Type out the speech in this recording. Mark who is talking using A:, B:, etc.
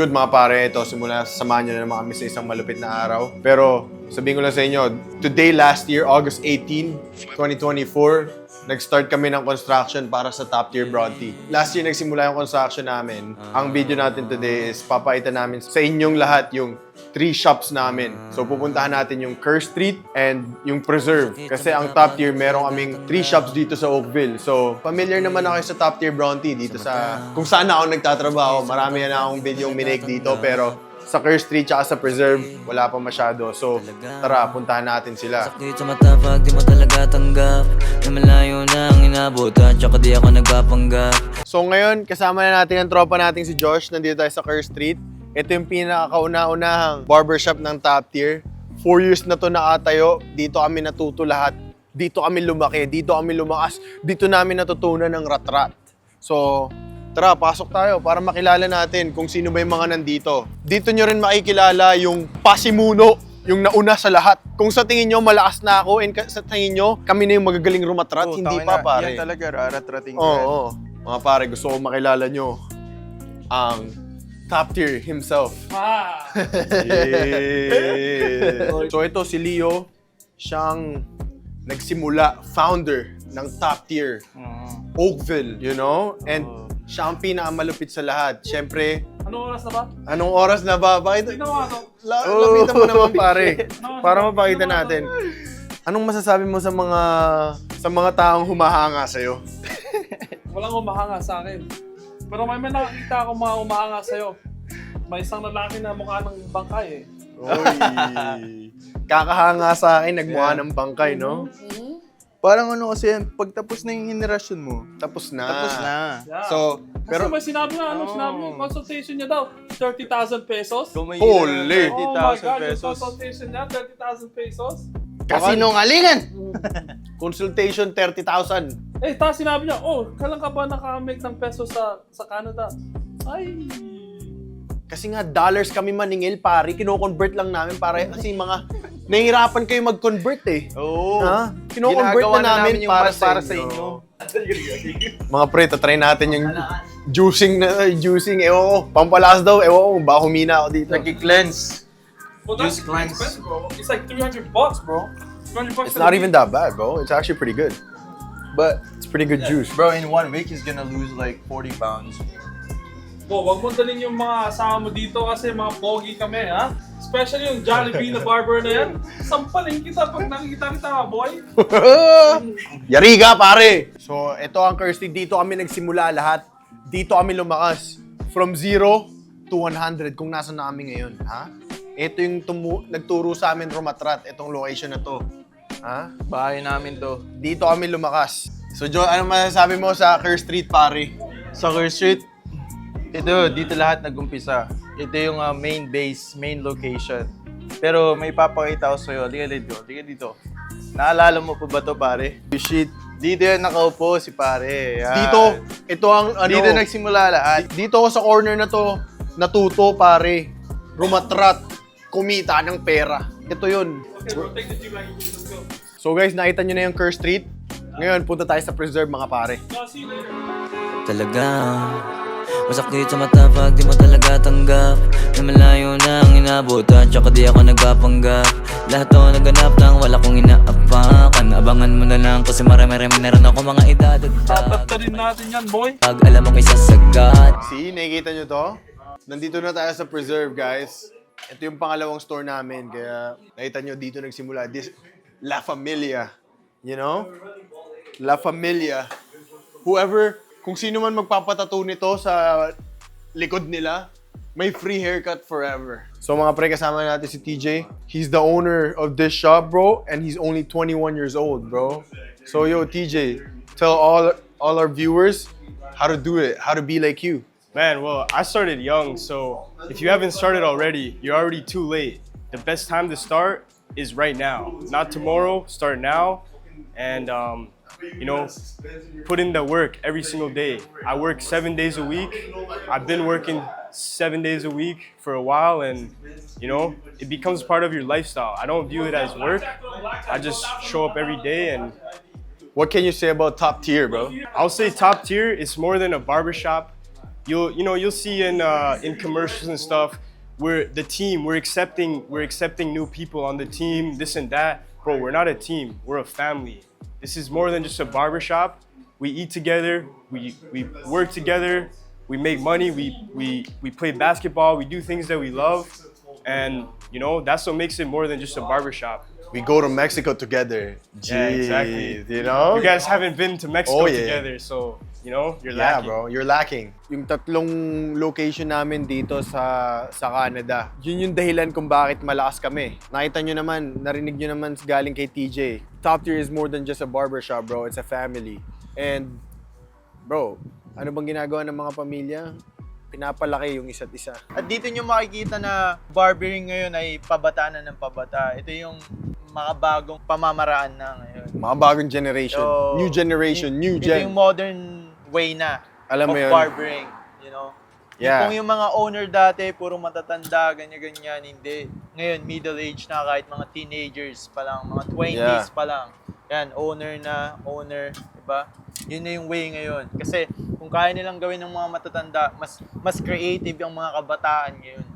A: good mga pare? Ito, simula samahan nyo na naman kami sa isang malupit na araw. Pero sabihin ko lang sa inyo, today last year, August 18, 2024, nag-start kami ng construction para sa Top Tier Bronte. Last year nagsimula yung construction namin. Ang video natin today is papaitan namin sa inyong lahat yung 3 shops namin. So pupuntahan natin yung Kerr Street and yung Preserve. Kasi ang Top Tier, meron kaming 3 shops dito sa Oakville. So familiar naman ako sa Top Tier Bronte dito sa kung saan ako nagtatrabaho. Marami na akong video minake dito pero sa Kerr Street tsaka sa Preserve, wala pa masyado. So, tara, puntahan natin sila.
B: Sakit sa mata pag di mo talaga tanggap na malayo na ang inabot at tsaka di ako nagpapanggap.
A: So, ngayon, kasama na natin ang tropa nating si Josh. Nandito tayo sa Kerr Street. Ito yung pinakauna-unahang barbershop ng Top Tier. 4 years na to nakatayo. Dito kami natuto lahat. Dito kami lumaki. Dito kami lumakas. Dito namin natutunan ng rat-rat. So, tara, pasok tayo para makilala natin kung sino ba yung mga nandito. Dito nyo rin makikilala yung pasimuno, yung nauna sa lahat. Kung sa tingin nyo malakas na ako and sa tingin nyo kami na yung magagaling rumatrat, hindi pa pare.
C: Yan talaga, rarat-rating ka.
A: Oo. Mga pare, gusto ko makilala nyo ang Top Tier himself. Yeah. So ito si Leo, siyang nagsimula, founder ng Top Tier Oakville, you know? And siya ang pinakamalupit sa lahat. Siyempre,
D: Anong oras na ba?
A: anong oras na ba? Bakit?
D: Tignan mo ano.
A: Lapitan mo naman pare. Para mapakita natin. Anong masasabi mo sa mga taong humahanga sa'yo?
D: Walang umahanga sa akin. Pero may nakakita akong mga umahanga sa'yo. May isang lalaki na mukha ng bangkay eh.
A: Oy. Kakahanga sa akin, nagmukha ng bangkay, no?
C: Parang ano kasi yan, pag tapos na yung henerasyon mo,
A: Tapos na.
C: tapos na.
D: Yeah.
A: So,
D: Pero
A: pero
D: may sinabi nga, sinabi niya, consultation niya daw, 30,000 pesos.
C: Kung may
A: Holy!
C: hina ng
D: Oh my
C: 30,000
D: God, yung
C: pesos.
D: consultation niya, 30,000 pesos.
C: Kasinungalingan!
A: consultation 30,000.
D: Eh, tapos sinabi niya, oh, kailan ka ba nakamake ng peso sa Canada? Ay,
A: Kasi nga dollars kami maningil, pare. Kino-convert lang namin para kasi mga nahihirapan kayo mag-convert eh.
C: Oo.
A: Ha? Kino-convert
C: Ginagawa
A: na namin
C: yung
A: para
C: mas
A: sa inyo. Mga pre, tatry natin yung juicing. Ewan ko, pampalas daw. Ewan ko, baka humina ako dito.
C: Nag-cleanse.
D: well, that's
C: Just glance.
D: expensive, bro. It's like $300, bro. $300
A: It's not even that bad, bro. It's actually pretty good.
C: But,
A: It's pretty good juice.
C: bro, in 1 week, he's gonna lose like 40 pounds.
D: Bo, wag mo dalhin yung mga asama mo dito kasi mga pogi kami, ha? Especially yung Jollibee na barber na yan. Sampalin kita pag nakikita kita, boy.
A: Yari ka, pare! So, ito ang Kirsty. Dito kami nagsimula lahat. Dito kami lumakas. From 0 to 100 kung nasa na kami ngayon, ha? Ito yung nagturo sa amin rumatrat, itong location na to. Ha?
C: Bahay namin to.
A: Dito kami lumakas. So, Joe, ano masasabi mo sa Kerr Street, pare?
C: Sa Kerr Street, dito lahat nag-umpisa. Ito yung main base, main location. Pero may papakita ko sa'yo. Liga dito. Naalala mo pa ba to, pare?
A: Shit.
C: Dito yan nakaupo si pare. Yan.
A: Dito, ito ang ano.
C: Dito nagsimula lahat.
A: Dito ako sa corner na to, natuto, pare. Rumatrat, kumita ng pera. Ito yun.
D: Okay, bro, take the G wagon. Let's go.
A: So guys, nakita nyo na yung Kerr Street. Ngayon, punta tayo sa Preserve, mga pare.
D: No, see you later.
B: Talaga masakit sa mata pag di mo talaga tanggap na malayo na ang inabot at tsaka di ako nagpapanggap. Lahat to naganap nang wala kong inaapakan. Abangan mo na lang kasi marami-rami na rin ako mga idadagdag.
D: Tataptarin natin yan, boy.
B: Pag alam mo may sasagat.
A: See, nakikita nyo to? Nandito na tayo sa Preserve, guys. Ito yung pangalawang store namin. Kaya nakita nyo dito nagsimula. This La Familia. You know? La Familia. Whoever, kung sino man magpapatato nito sa likod nila, may free haircut forever. So mga pre, kasama natin si TJ. He's the owner of this shop, bro. And he's only 21 years old, bro. So yo, TJ, tell all our viewers how to do it, how to be like you.
E: Man, well, I started young, so if you haven't started already, you're already too late. The best time to start is right now, not tomorrow. Start now, and you know, put in the work every single day. I work 7 days a week. I've been working 7 days a week for a while, and you know, it becomes part of your lifestyle. I don't view it as work. I just show up every day, and
A: What can you say about Top Tier, bro?
E: I'll say Top Tier is more than a barbershop. you'll see in commercials and stuff, we're the team, we're accepting new people on the team, this and that. Bro, we're not a team, we're a family. This is more than just a barbershop. We eat together, we work together, we make money, we play basketball, we do things that we love, and that's what makes it more than just a barbershop.
A: We go to Mexico together.
E: Yeah, exactly.
A: You know?
E: You guys haven't been to Mexico
A: Oh, yeah.
E: together, so you're
A: Yeah,
E: lacking.
A: bro. You're lacking. Yung tatlong location namin dito sa Canada, yun yung dahilan kung bakit malakas kami. Nakita nyo naman, narinig nyo naman galing kay TJ. Top Tier is more than just a barbershop, bro. It's a family. And, bro, ano bang ginagawa ng mga pamilya? Pinapalaki yung isa't isa.
C: At dito nyo makikita na barbering ngayon ay pabata na ng pabata. Ito yung mga bagong pamamaraan na ngayon.
A: Mga bagong generation.
C: So,
A: New generation, new
C: Ito
A: gen.
C: yung modern way na
A: Alam mo
C: of
A: yun?
C: barbering.
A: Yeah.
C: Kung yung mga owner dati, puro matatanda, ganyan-ganyan, hindi. Ngayon, middle age na, kahit mga teenagers pa lang, mga 20s pa lang. Yan, owner, diba? Yun na yung way ngayon. Kasi kung kaya nilang gawin ng mga matatanda, mas creative yung mga kabataan ngayon.